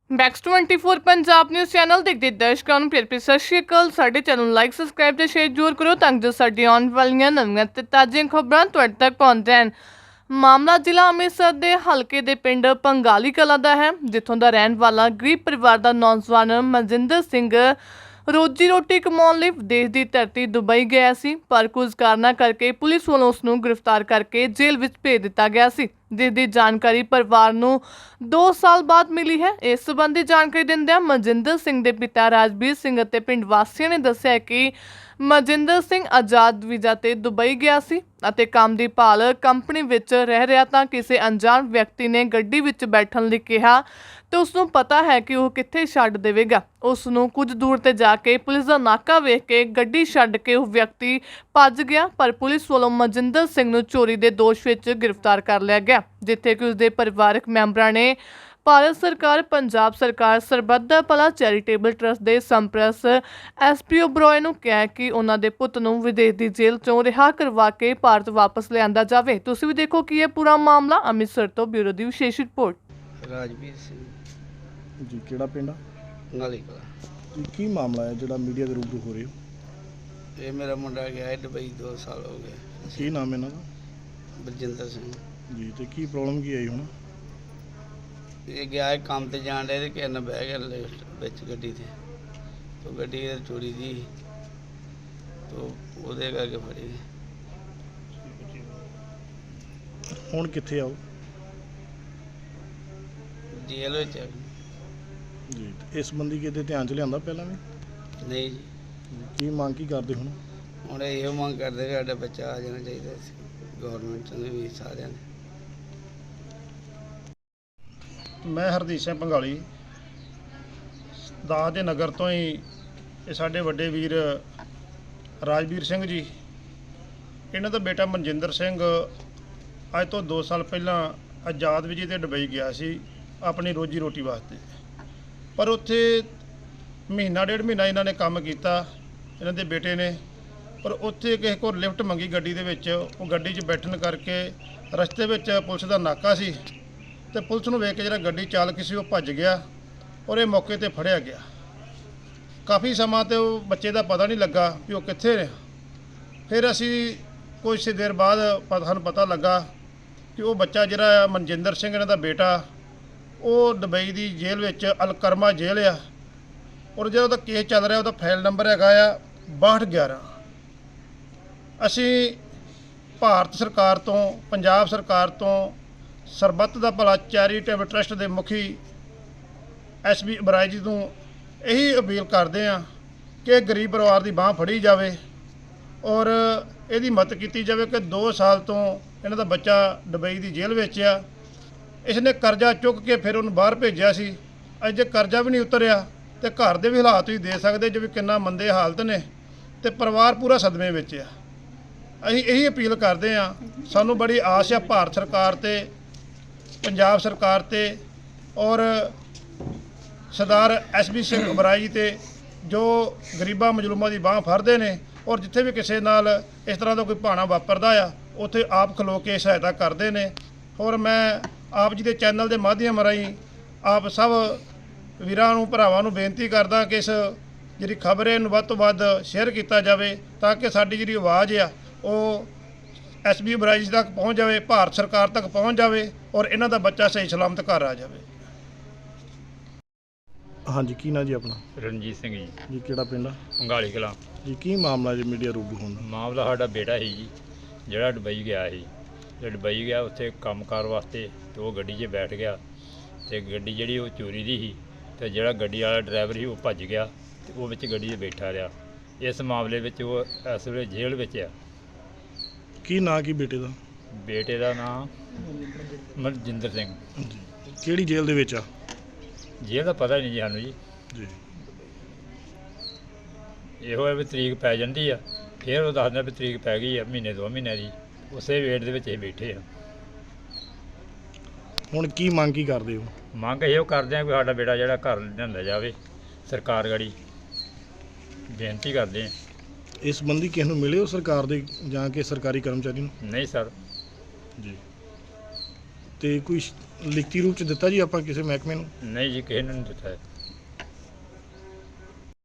ਬੈਕਸ 24 Punjab news channel ਦੇਖਦੇ ਦਰਸ਼ਕਾਂ ਨੂੰ ਪਿਆਰ ਭਰੀ ਸਤਿ ਸ਼੍ਰੀ ਅਕਾਲ। ਸਾਡੇ ਚੈਨਲ ਨੂੰ ਲਾਈਕ ਸਬਸਕ੍ਰਾਈਬ ਤੇ ਸ਼ੇਅਰ ਜ਼ਰੂਰ ਕਰੋ ਤਾਂ ਜੋ ਸਾਡੀ ਆਉਣ ਵਾਲੀਆਂ ਨਵੀਆਂ ਤੇ ਤਾਜ਼ੀਆਂ ਖਬਰਾਂ ਤੁਹਾਡੇ ਤੱਕ ਪਹੁੰਚ ਜਾਣ। ਮਾਮਲਾ ਜ਼ਿਲ੍ਹਾ ਅੰਮ੍ਰਿਤਸਰ ਦੇ ਹਲਕੇ ਦੇ ਪਿੰਡ ਪੰਗਾਲੀ ਕਲਾਂ ਦਾ ਹੈ, ਜਿੱਥੋਂ ਦਾ ਰਹਿਣ ਵਾਲਾ ਗਰੀਬ ਪਰਿਵਾਰ ਦਾ ਨੌਜਵਾਨ ਮਨਜਿੰਦਰ ਸਿੰਘ ਰੋਜੀ ਰੋਟੀ ਕਮਾਉਣ ਲਈ ਵਿਦੇਸ਼ ਦੀ ਧਰਤੀ ਦੁਬਈ ਗਿਆ ਸੀ, ਪਰ ਕੁਝ ਕਾਰਨਾਂ ਕਰਕੇ ਪੁਲਿਸ ਵੱਲੋਂ ਉਸ ਨੂੰ ਗ੍ਰਿਫਤਾਰ ਕਰਕੇ ਜੇਲ੍ਹ ਵਿੱਚ ਭੇਜ ਦਿੱਤਾ ਗਿਆ ਸੀ, ਜਿਸ ਦੀ ਜਾਣਕਾਰੀ ਪਰਿਵਾਰ ਨੂੰ 2 ਸਾਲ ਬਾਅਦ ਮਿਲੀ ਹੈ। ਇਸ ਸੰਬੰਧੀ ਜਾਣਕਾਰੀ ਦਿੰਦਿਆਂ ਮਨਜਿੰਦਰ ਸਿੰਘ ਦੇ ਪਿਤਾ ਰਾਜਵੀਰ ਸਿੰਘ ਅਤੇ ਪਿੰਡ ਵਾਸੀਆਂ ਨੇ ਦੱਸਿਆ ਕਿ ਮਨਜਿੰਦਰ ਸਿੰਘ ਆਜ਼ਾਦ ਵੀਜ਼ਾ ਤੇ ਦੁਬਈ ਗਿਆ ਸੀ ਅਤੇ ਕੰਮ ਦੀ ਭਾਲ ਕੰਪਨੀ ਵਿੱਚ ਰਹਿ ਰਿਹਾ ਤਾਂ ਕਿਸੇ ਅਣਜਾਣ ਵਿਅਕਤੀ ਨੇ ਗੱਡੀ ਵਿੱਚ ਬੈਠਣ ਲਈ ਕਿਹਾ ਤੇ ਉਸ ਨੂੰ ਪਤਾ ਹੈ ਕਿ ਉਹ ਕਿੱਥੇ ਛੱਡ ਦੇਵੇਗਾ। ਉਸ ਨੂੰ ਕੁਝ ਦੂਰ ਤੇ ਜਾ ਕੇ ਪੁਲਿਸ ਦਾ ਨਾਕਾ ਵੇਖ ਕੇ ਗੱਡੀ ਛੱਡ ਕੇ ਉਹ ਵਿਅਕਤੀ ਭੱਜ ਗਿਆ, ਪਰ ਪੁਲਿਸ ਵੱਲੋਂ ਮਨਜਿੰਦਰ ਸਿੰਘ ਨੂੰ ਚੋਰੀ ਦੇ ਦੋਸ਼ ਵਿੱਚ ਗ੍ਰਿਫਤਾਰ ਕਰ ਲਿਆ ਗਿਆ, ਜਿੱਥੇ ਕਿ ਉਸ ਦੇ ਪਰਿਵਾਰਕ ਮੈਂਬਰਾਂ ਨੇ ਭਾਰਤ ਸਰਕਾਰ, ਪੰਜਾਬ ਸਰਕਾਰ, ਸਰਬੱਤ ਦਾ ਭਲਾ ਚੈਰੀਟੇਬਲ ਟਰਸਟ ਦੇ ਸੰਪਰਸ ਐਸਪੀਓ ਬਰੋਏ ਨੂੰ ਕਿਹਾ ਕਿ ਉਹਨਾਂ ਦੇ ਪੁੱਤ ਨੂੰ ਵਿਦੇਸ਼ ਦੀ ਜੇਲ੍ਹ ਚੋਂ ਰਿਹਾ ਕਰਵਾ ਕੇ ਭਾਰਤ ਵਾਪਸ ਲਿਆਂਦਾ ਜਾਵੇ। ਤੁਸੀਂ ਵੀ ਦੇਖੋ ਕਿ ਇਹ ਪੂਰਾ ਮਾਮਲਾ। ਅੰਮ੍ਰਿਤਸਰ ਤੋਂ ਬਿਊਰੋ ਦੀ ਵਿਸ਼ੇਸ਼ ਰਿਪੋਰਟ। ਰਾਜਵੀਰ ਸਿੰਘ ਜੀ ਕਿਹੜਾ ਪਿੰਡ ਆ ਨਾਲੀ ਕਲਾਂ। ਜੀ ਕੀ ਮਾਮਲਾ ਹੈ ਜਿਹੜਾ ਮੀਡੀਆ ਦੇ ਰੂਬਰੂ ਹੋ ਰਹੇ ਹੋ? ਇਹ ਮੇਰਾ ਮੁੰਡਾ ਗਿਆ ਹੈ ਦੁਬਈ 2 ਸਾਲ ਹੋ ਗਏ। ਕੀ ਨਾਮ ਹੈ ਇਹਨਾਂ ਦਾ? ਬਲਜਿੰਦਰ ਸਿੰਘ। ਜੀ ਤੇ ਕੀ ਪ੍ਰੋਬਲਮ ਕੀ ਆਈ ਹੁਣ? ਇਹ ਗਿਆ ਹੈ ਕੰਮ ਤੇ ਜਾਣ ਡਿਆ ਤੇ ਕਿਸੇ ਨਾਲ ਬਹਿ ਗਿਆ ਲਿਫਟ ਵਿੱਚ ਗੱਡੀ ਤੇ, ਤੋ ਗੱਡੀ ਇਹ ਚੋਰੀ ਦੀ ਤੋ ਉਹਦੇ ਕਰਕੇ ਫੜੀ। ਹੁਣ ਕਿੱਥੇ ਆਓ? ਜੇਲ੍ਹ ਵਿੱਚ ਹੈ। ਜੀ ਤੇ ਇਸ ਸੰਬੰਧੀ ਕਿਤੇ ਧਿਆਨ ਚ ਲਿਆਂਦਾ ਪਹਿਲਾਂ ਵੀ? ਨਹੀਂ ਜੀ, ਕੀ ਮੰਗ ਕੀ ਕਰਦੇ ਹੁਣ? ਹੁਣ ਇਹੋ ਮੰਗ ਕਰਦੇ ਕਿ ਸਾਡਾ ਬੱਚਾ ਆ ਜਾਣਾ ਚਾਹੀਦਾ ਸੀ, ਗੌਰਮੈਂਟ ਨੇ ਵੀ ਸਾਰਿਆਂ ਨੇ। ਮੈਂ ਹਰਦੀਪ ਸਿੰਘ ਪੰਗਾਲੀ ਦਾਸ ਦੇ ਨਗਰ ਤੋਂ ਹੀ। ਇਹ ਸਾਡੇ ਵੱਡੇ ਵੀਰ ਰਾਜਵੀਰ ਸਿੰਘ ਜੀ, ਇਹਨਾਂ ਦਾ ਬੇਟਾ ਮਨਜਿੰਦਰ ਸਿੰਘ ਅੱਜ ਤੋਂ 2 ਸਾਲ ਪਹਿਲਾਂ ਆਜ਼ਾਦ ਵੀਜ਼ੇ ਤੇ ਦੁਬਈ ਗਿਆ ਸੀ ਆਪਣੀ ਰੋਜੀ ਰੋਟੀ ਵਾਸਤੇ, ਪਰ ਉੱਥੇ ਮਹੀਨਾ ਡੇਢ ਮਹੀਨਾ ਇਹਨਾਂ ਨੇ ਕੰਮ ਕੀਤਾ, ਇਹਨਾਂ ਦੇ ਬੇਟੇ ਨੇ, ਪਰ ਉੱਥੇ ਕਿਸੇ ਕੋਲ ਲਿਫਟ ਮੰਗੀ ਗੱਡੀ ਦੇ ਵਿੱਚ। ਉਹ ਗੱਡੀ 'ਚ ਬੈਠਣ ਕਰਕੇ ਰਸਤੇ ਵਿੱਚ ਪੁਲਿਸ ਦਾ ਨਾਕਾ ਸੀ ਤੇ ਪੁਲਿਸ ਨੂੰ ਵੇਖ ਕੇ ਜਿਹੜਾ ਗੱਡੀ ਚਾਲਕ ਸੀ ਉਹ ਭੱਜ ਗਿਆ ਔਰ ਇਹ ਮੌਕੇ ਤੇ ਫੜਿਆ ਗਿਆ। ਕਾਫੀ ਸਮਾਂ ਤੇ ਉਹ ਬੱਚੇ ਦਾ ਪਤਾ ਨਹੀਂ ਲੱਗਾ ਵੀ ਉਹ ਕਿੱਥੇ ਨੇ। ਫਿਰ ਅਸੀਂ ਕੁਝ ਦੇਰ ਬਾਅਦ ਸਾਨੂੰ ਪਤਾ ਲੱਗਾ ਕਿ ਉਹ ਬੱਚਾ ਜਿਹੜਾ ਮਨਜਿੰਦਰ ਸਿੰਘ ਇਹਨਾਂ ਦਾ ਬੇਟਾ, ਉਹ ਦੁਬਈ ਦੀ ਜੇਲ੍ਹ ਵਿੱਚ ਅਲਕਰਮਾ ਜੇਲ੍ਹ ਆ, ਔਰ ਜਿਹੜਾ ਉਹਦਾ ਕੇਸ ਚੱਲ ਰਿਹਾ ਉਹਦਾ ਫਾਈਲ ਨੰਬਰ ਹੈਗਾ ਆ 6211। ਅਸੀਂ ਭਾਰਤ ਸਰਕਾਰ ਤੋਂ, ਪੰਜਾਬ ਸਰਕਾਰ ਤੋਂ, ਸਰਬੱਤ ਦਾ ਭਲਾ ਚੈਰੀਟੇਬਲ ਟਰਸਟ ਦੇ ਮੁਖੀ ਐਸਪੀ ਬਰਾਏ ਜੀ ਨੂੰ ਇਹੀ ਅਪੀਲ ਕਰਦੇ ਹਾਂ ਕਿ ਗਰੀਬ ਪਰਿਵਾਰ ਦੀ ਬਾਂਹ ਫੜੀ ਜਾਵੇ ਔਰ ਇਹਦੀ ਮਦਦ ਕੀਤੀ ਜਾਵੇ ਕਿ 2 ਸਾਲ ਤੋਂ ਇਹਨਾਂ ਦਾ ਬੱਚਾ ਦੁਬਈ ਦੀ ਜੇਲ੍ਹ ਵਿੱਚ ਆ। ਇਸਨੇ ਕਰਜ਼ਾ ਚੁੱਕ ਕੇ ਫਿਰ ਉਹਨੂੰ ਬਾਹਰ ਭੇਜਿਆ ਸੀ। ਅੱਜ ਜੇ ਕਰਜ਼ਾ ਵੀ ਨਹੀਂ ਉਤਰਿਆ ਤੇ ਘਰ ਦੇ ਵੀ ਹਾਲਾਤ ਤੁਸੀਂ ਦੇ ਸਕਦੇ ਜਿਵੇਂ ਕਿੰਨਾ ਮੰਦੇ ਹਾਲਤ ਨੇ, ਤੇ ਪਰਿਵਾਰ ਪੂਰਾ ਸਦਮੇ ਵਿੱਚ ਆ। ਅਸੀਂ ਇਹੀ ਅਪੀਲ ਕਰਦੇ ਹਾਂ, ਸਾਨੂੰ ਬੜੀ ਆਸ ਆ ਭਾਰਤ ਸਰਕਾਰ ਤੇ, ਪੰਜਾਬ ਸਰਕਾਰ ਤੇ ਔਰ ਸਰਦਾਰ ਐਸਪੀ ਸਿੰਘ ਬਰਾਈ ਜੀ ਤੇ, ਜੋ ਗਰੀਬਾਂ ਮਜ਼ਲੂਮਾਂ ਦੀ ਬਾਂਹ ਫੜਦੇ ਨੇ ਔਰ ਜਿੱਥੇ ਵੀ ਕਿਸੇ ਨਾਲ ਇਸ ਤਰ੍ਹਾਂ ਦਾ ਕੋਈ ਭਾਣਾ ਵਾਪਰਦਾ ਆ ਉੱਥੇ ਆਪ ਖਲੋ ਕੇ ਸਹਾਇਤਾ ਕਰਦੇ ਨੇ। ਔਰ ਮੈਂ ਆਪ ਜੀ ਦੇ ਚੈਨਲ ਦੇ ਮਾਧਿਅਮ ਰਾਹੀਂ ਆਪ ਸਭ ਵੀਰਾਂ ਨੂੰ, ਭਰਾਵਾਂ ਨੂੰ ਬੇਨਤੀ ਕਰਦਾ ਕਿ ਇਸ ਜਿਹੜੀ ਖਬਰ ਹੈ ਨੂੰ ਵੱਧ ਤੋਂ ਵੱਧ ਸ਼ੇਅਰ ਕੀਤਾ ਜਾਵੇ ਤਾਂ ਕਿ ਸਾਡੀ ਜਿਹੜੀ ਆਵਾਜ਼ ਆ ਉਹ ਐਸਪੀ ਬਰਾਈ ਜੀ ਤੱਕ ਪਹੁੰਚ ਜਾਵੇ, ਭਾਰਤ ਸਰਕਾਰ ਤੱਕ ਪਹੁੰਚ ਜਾਵੇ ਔਰ ਇਹਨਾਂ ਦਾ ਬੱਚਾ ਸਹੀ ਸਲਾਮਤ ਘਰ ਆ ਜਾਵੇ। ਹਾਂਜੀ ਕੀ ਨਾਂ ਜੀ ਆਪਣਾ? ਰਣਜੀਤ ਸਿੰਘ ਜੀ, ਜੀ ਕਿਹੜਾ ਪਿੰਡ ਆ? ਪੰਗਾਲੀ ਕਲਾਂ। ਜੀ ਕੀ ਮਾਮਲਾ ਜੀ ਮੀਡੀਆ ਰੂਬਰੂ ਹੋਣ ਦਾ? ਮਾਮਲਾ ਸਾਡਾ ਬੇਟਾ ਸੀ ਜੀ, ਜਿਹੜਾ ਦੁਬਈ ਗਿਆ ਸੀ। ਜੇ ਦੁਬਈ ਗਿਆ ਉੱਥੇ ਕੰਮਕਾਰ ਵਾਸਤੇ ਤੇ ਉਹ ਗੱਡੀ 'ਚ ਬੈਠ ਗਿਆ ਤੇ ਗੱਡੀ ਜਿਹੜੀ ਉਹ ਚੋਰੀ ਦੀ ਸੀ ਤੇ ਜਿਹੜਾ ਗੱਡੀ ਵਾਲਾ ਡਰਾਈਵਰ ਸੀ ਉਹ ਭੱਜ ਗਿਆ ਤੇ ਉਹ ਵਿੱਚ ਗੱਡੀ 'ਚ ਬੈਠਾ ਰਿਹਾ। ਇਸ ਮਾਮਲੇ ਵਿੱਚ ਉਹ ਇਸ ਵੇਲੇ ਜੇਲ੍ਹ ਵਿੱਚ ਆ। ਕੀ ਨਾਂ ਕੀ ਬੇਟੇ ਦਾ? ਬੇਟੇ ਦਾ ਨਾਂ ਮਨਜਿੰਦਰ ਸਿੰਘ। ਜੀ ਕਿਹੜੀ ਜੇਲ੍ਹ ਦੇ ਵਿੱਚ ਆ? ਜੇਲ੍ਹ ਦਾ ਪਤਾ ਨਹੀਂ ਜੀ ਸਾਨੂੰ ਜੀ। ਜੀ ਇਹੋ ਹੈ ਵੀ ਤਰੀਕ ਪੈ ਜਾਂਦੀ ਆ, ਫਿਰ ਉਹ ਦੱਸਦਾ ਵੀ ਤਰੀਕ ਪੈ ਗਈ ਆ ਮਹੀਨੇ 2 ਮਹੀਨੇ ਦੀ, ਉਸੇ ਵੇਟ ਦੇ ਵਿੱਚ ਅਸੀਂ ਬੈਠੇ ਆ। ਹੁਣ ਕੀ ਮੰਗ ਕੀ ਕਰਦੇ ਹੋ? ਮੰਗ ਇਹੋ ਕਰਦੇ ਆ ਕਿ ਸਾਡਾ ਬੇਟਾ ਜਿਹੜਾ ਘਰ ਲਿਆਂਦਾ ਜਾਵੇ, ਸਰਕਾਰ ਗੜੀ ਬੇਨਤੀ ਕਰਦੇ ਆ। ਇਸ ਸੰਬੰਧੀ ਕਿਸ ਨੂੰ ਮਿਲੇ ਹੋ ਸਰਕਾਰ ਦੇ ਜਾਂ ਕਿ ਸਰਕਾਰੀ ਕਰਮਚਾਰੀ ਨੂੰ? ਨਹੀਂ ਸਰ। ਜੀ ਤੇ ਕੋਈ ਲਿਖਤੀ ਰੂਪ ਚ ਦਿੱਤਾ ਜੀ ਆਪਾਂ ਕਿਸੇ ਮਹਿਕਮੇ ਨੂੰ? ਨਹੀਂ ਜੀ, ਕਿਸੇ ਨੇ ਨਹੀਂ ਦਿੱਤਾ ਹੈ।